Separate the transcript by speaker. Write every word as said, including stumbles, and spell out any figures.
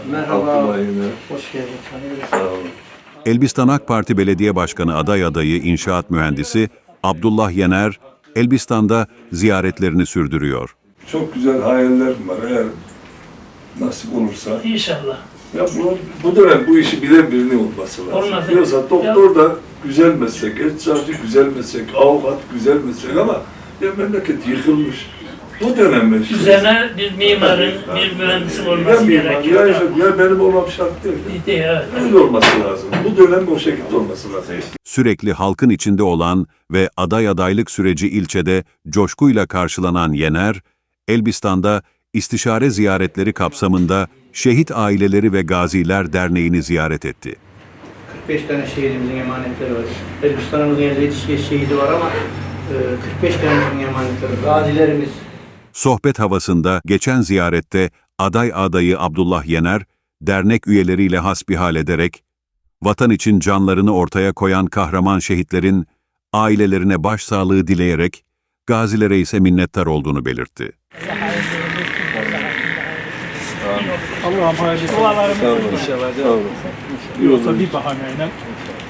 Speaker 1: Merhaba.
Speaker 2: Abdullah Yener.
Speaker 1: Hoş geldin.
Speaker 2: Sağ olun.
Speaker 3: Elbistan AK Parti Belediye Başkanı aday adayı inşaat mühendisi Abdullah Yener, Elbistan'da ziyaretlerini sürdürüyor.
Speaker 2: Çok güzel hayallerim var eğer nasip olursa.
Speaker 4: İnşallah.
Speaker 2: Ya bu, bu dönem bu işi bilen birinin olması lazım.
Speaker 4: Olmaz.
Speaker 2: Yoksa doktor da güzel meslek, eczacı güzel meslek, avukat güzel meslek ama ya memleket yıkılmış. Bu dönem işte.
Speaker 4: Üzerine bir mimarın, bir mühendisin
Speaker 2: Ya
Speaker 4: olması
Speaker 2: mimar,
Speaker 4: gerekiyor.
Speaker 2: ya, ya benim olmam şart değil.
Speaker 4: Evet.
Speaker 2: Öyle olması lazım. Bu dönem o şekilde olması lazım.
Speaker 3: Sürekli halkın içinde olan ve aday adaylık süreci ilçede coşkuyla karşılanan Yener, Elbistan'da istişare ziyaretleri kapsamında Şehit Aileleri ve Gaziler Derneği'ni ziyaret etti.
Speaker 1: kırk beş tane şehidimizin emanetleri var. Elbistan'ımızın elli yedi şehidi var ama kırk beş tanemizin emanetleri var. Gazilerimiz.
Speaker 3: Sohbet havasında geçen ziyarette aday adayı Abdullah Yener, dernek üyeleriyle hasbihal ederek, vatan için canlarını ortaya koyan kahraman şehitlerin ailelerine başsağlığı dileyerek, gazilere ise minnettar olduğunu belirtti.
Speaker 5: Allah'ım hayırlısı.
Speaker 4: Dualarımız
Speaker 2: Sağ olun.
Speaker 5: İnşallah.
Speaker 2: Sağ olun.
Speaker 5: Yoksa bir bahaneyle